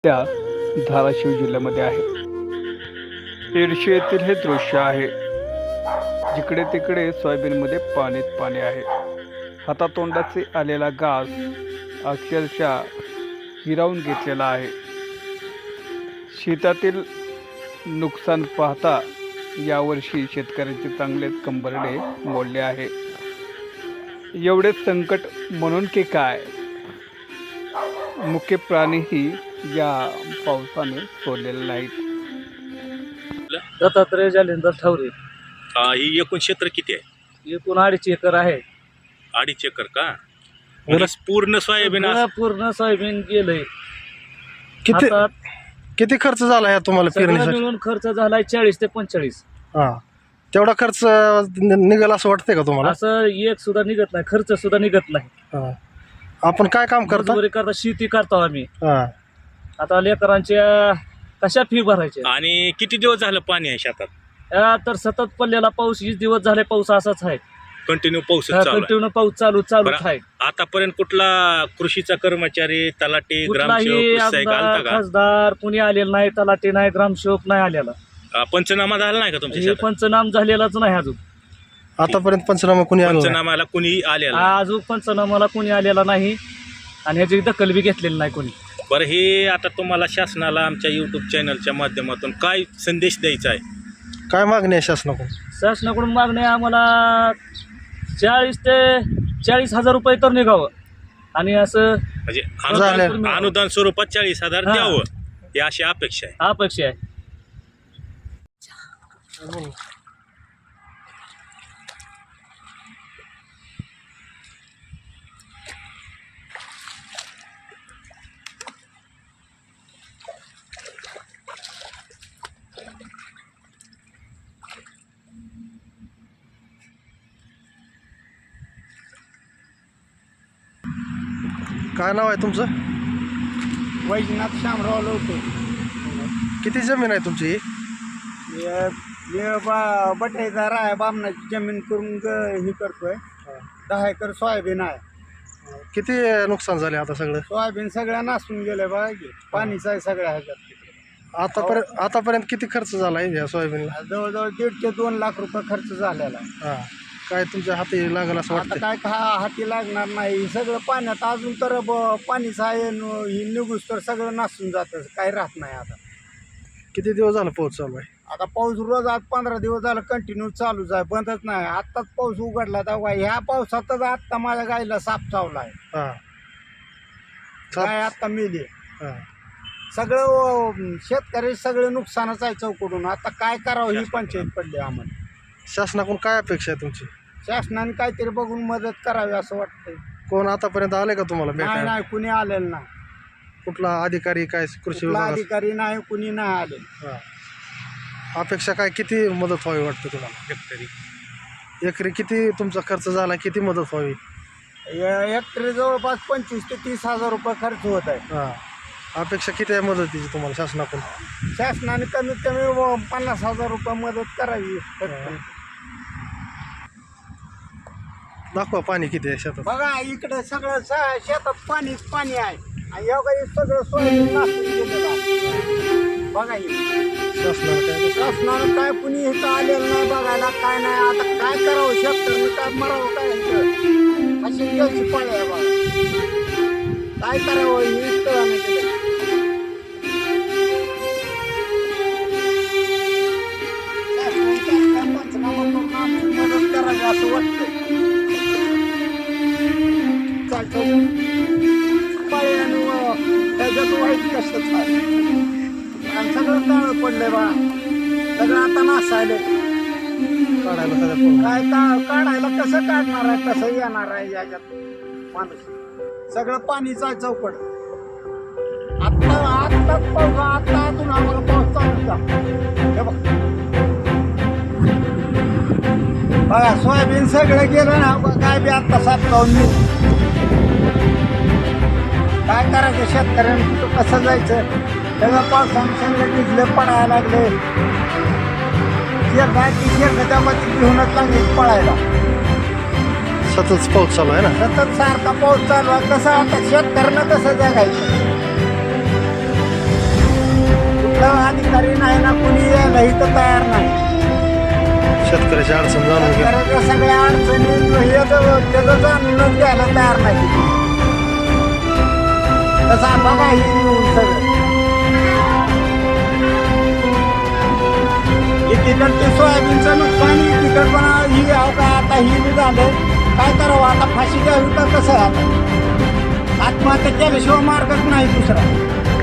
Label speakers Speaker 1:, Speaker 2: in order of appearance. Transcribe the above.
Speaker 1: सध्या धाराशिव जिल्ह्यामध्ये आहे. येडशी येथील हे दृश्य आहे. जिकडे तिकडे सोयाबीनमध्ये पाणीच पाणी आहे. हातातोंडाचे आलेला घास अक्षरशः हिरावून घेतलेला आहे. शेतातील नुकसान पाहता यावर्षी शेतकऱ्यांचे चांगलेच कंबरडे मोडले आहे. एवढे संकट म्हणून की काय, मुख्य प्राणीही या पावसाने सोडलेले नाहीत.
Speaker 2: दत्तात्रय जालिंदर ठवरे.
Speaker 3: ही एकूण क्षेत्र किती आहे?
Speaker 2: एकूण 2.5 एकर आहे.
Speaker 3: 2.5 एकर का? म्हणजे पूर्ण सोयाबीन
Speaker 2: पूर्ण सोयाबीन गेलंय.
Speaker 4: किती
Speaker 2: आता
Speaker 4: किती खर्च झाला आहे तुम्हाला
Speaker 2: सगळं
Speaker 4: पेरणीसाठी?
Speaker 2: मिळून खर्च झालाय 40 ते 45.
Speaker 4: हा, तेवढा खर्च निघाला असं वाटतंय का तुम्हाला?
Speaker 2: असं एक सुद्धा निघत नाही, खर्च सुद्धा निघत नाही.
Speaker 4: हा. आपण काय काम करता?
Speaker 2: मजुरी करता, शेती करतो आम्ही.
Speaker 4: हा.
Speaker 2: आता लेकरांच्या कशा फी भरायच्या.
Speaker 3: आणि किती दिवस झालं पाणी आहे शेतात?
Speaker 2: तर सतत पडलेला पाऊस 20 दिवस झाले, पाऊस असाच आहे.
Speaker 3: कंटिन्यू पाऊस चालू आहे.
Speaker 2: कंटिन्यू पाऊस चालूच आहे.
Speaker 3: आतापर्यंत कुठला कृषीचा कर्मचारी, तलाठी,
Speaker 2: कुठलाही
Speaker 3: ग्रामसेवक आलता
Speaker 2: आमदार
Speaker 3: का?
Speaker 2: खासदार कुणी आलेला नाही, तलाठी नाही, ग्रामसेवक नाही आलेला.
Speaker 3: पंचनामा झाला नाही का तुमच्या
Speaker 2: हे
Speaker 3: शेतात?
Speaker 2: पंचनाम झालेलाच नाही अजून.
Speaker 4: आतापर्यंत पंचनामा कोणी आला नाही?
Speaker 3: पंचनामाला कुणी आलेला नाही.
Speaker 2: अजून पंचनामाला कोणी आलेला नाही आणि ह्याची दखल बी घेतलेली नाही कोणी.
Speaker 3: बरं, हे आता तुम्हाला शासनाला आमच्या YouTube चॅनलच्या माध्यमातून काय संदेश द्यायचा आहे?
Speaker 4: काय मागणी आहे शासनाकडून?
Speaker 2: शासनाकडून मागणी आहे आम्हाला 40 ते 40,000 रुपये तर निघावं आणि असं
Speaker 3: म्हणजे
Speaker 4: झालं.
Speaker 3: अनुदान स्वरूपात 40,000
Speaker 2: हा.
Speaker 3: द्यावं, ही अशी अपेक्षा आहे.
Speaker 2: अपेक्षा आहे.
Speaker 4: काय नाव आहे तुमचं?
Speaker 5: वैजनाथ शामराव लोटे.
Speaker 4: किती जमीन आहे तुमची ही?
Speaker 5: बटाईदार आहे, बामणाची जमीन करून हे करतोय. 10 एकर सोयाबीन आहे.
Speaker 4: किती नुकसान झाले आता सगळं?
Speaker 5: सोयाबीन सगळ्या नासून गेल्या बघा की, पाणीच आहे सगळ्या ह्याच्यात.
Speaker 4: आतापर्यंत किती खर्च झाला आहे या सोयाबीनला?
Speaker 5: जवळजवळ 1.5 ते 2 लाख रुपये खर्च झालेला आहे.
Speaker 4: हा. काय तुमच्या हाती लागेल असं
Speaker 5: आता
Speaker 4: वाटतं?
Speaker 5: काय हाती लागणार नाही. हे सगळं पाण्यात अजून तर पाणीच आहे. ही निघूस तर सगळं नासून जातं, काही राहत नाही. आता
Speaker 4: किती दिवस झाला पाऊस चालू आहे?
Speaker 5: आता पाऊस रोज आज 15 दिवस झालं कंटिन्यू चालूच आहे, बंदच नाही. आत्ताच पाऊस उघडला तेव्हा ह्या पावसातच आत्ता माझ्या गाईला साप चावला आहे.
Speaker 4: हा.
Speaker 5: गाय आत्ता मेली.
Speaker 4: हा.
Speaker 5: सगळं शेतकरी सगळं नुकसानच आहे चौकडून. आता काय करावं ही पंचायत पडली आम्हाला.
Speaker 4: शासनाकडून काय अपेक्षा आहे तुमची?
Speaker 5: शासनाने काहीतरी बघून मदत करावी असं वाटतंय.
Speaker 4: कोण आतापर्यंत आले का तुम्हाला
Speaker 5: नाही
Speaker 4: भेटायला?
Speaker 5: नाही, कुणी आलेलं नाही.
Speaker 4: कुठला अधिकारी, काय कृषी
Speaker 5: कुठला
Speaker 4: विभाग?
Speaker 5: अधिकारी नाही, कुणी नाही आले.
Speaker 4: हा. अपेक्षा काय, किती मदत व्हावी वाटतं तुम्हाला?
Speaker 3: शेतकरी
Speaker 4: एकरी किती तुमचा खर्च झाला, किती मदत व्हावी?
Speaker 5: हेक्टरी जवळपास 25 ते 30,000 रुपये खर्च होत आहे.
Speaker 4: हा. अपेक्षा किती आहे मदतीची तुम्हाला शासनाकडून?
Speaker 5: शासनाने कमीत कमी 50,000 रुपये मदत करावी.
Speaker 4: दाखवा पाणी किती आहे शेतात.
Speaker 5: बघा इकडे सगळं शेतात पाणीच पाणी आहे. आणि एवढं हे सगळं सोयाबीन नासून गेलेलं आहे. बघा हे शासनानं काय कुणी इथं आलेलं नाही बघायला, काय नाही. आता काय करावं शेतकऱ्यांनी, काय मरावं काय अशी घ्यायची पाळी आहे. बघा काय करावं हे कळानं गेलं. पंचनामा करून आमची मदत करावी असं वाटतं. त्याच्यात वाईट कशाच आहे. आणि सगळं काळं पडलंय बा, सगळं आता नासायले.
Speaker 4: काढायला सगळं
Speaker 5: काय काढायला कसं काढणार आहे, कसं येणार आहे याच्यात माणूस. सगळं पाणीच आहे चौकड. आत्ताच पाऊस, आता अजून आम्हाला पाऊस चालू जा. हे बघा सोयाबीन सगळं गेलं ना. काय बी आता साप जाऊन मी काय करायचं शेतकऱ्यांनी, कुठं कसं जायचं. सगळं पावसाने सगळं भिजलं, पडायला लागले. शेरडाच्या मध्ये घेऊनच लागले पळायला.
Speaker 4: सतत पाऊस चालू आहे ना?
Speaker 5: सतत सारखा पाऊस चालू आहे. कसं आता शेतकऱ्यांना कसं जगायचं. कुठलं अधिकारी नाही ना कुणी यायला इथं तयार नाही.
Speaker 4: शेतकऱ्याची अडचण जाणून घ्या.
Speaker 5: शेतकऱ्याच्या सगळ्या अडचणी त्याचं जाणूनच घ्यायला तयार नाही. तसं बघा ही येऊन सगळं तिकडचे सोयाबीनचं नुकसान तिकड पण ही आता ही बी झालं. काय करावं आता फाशी घ्यावी का कसं आता आत्महत्या केल्याशिवाय मार्गच नाही दुसरा.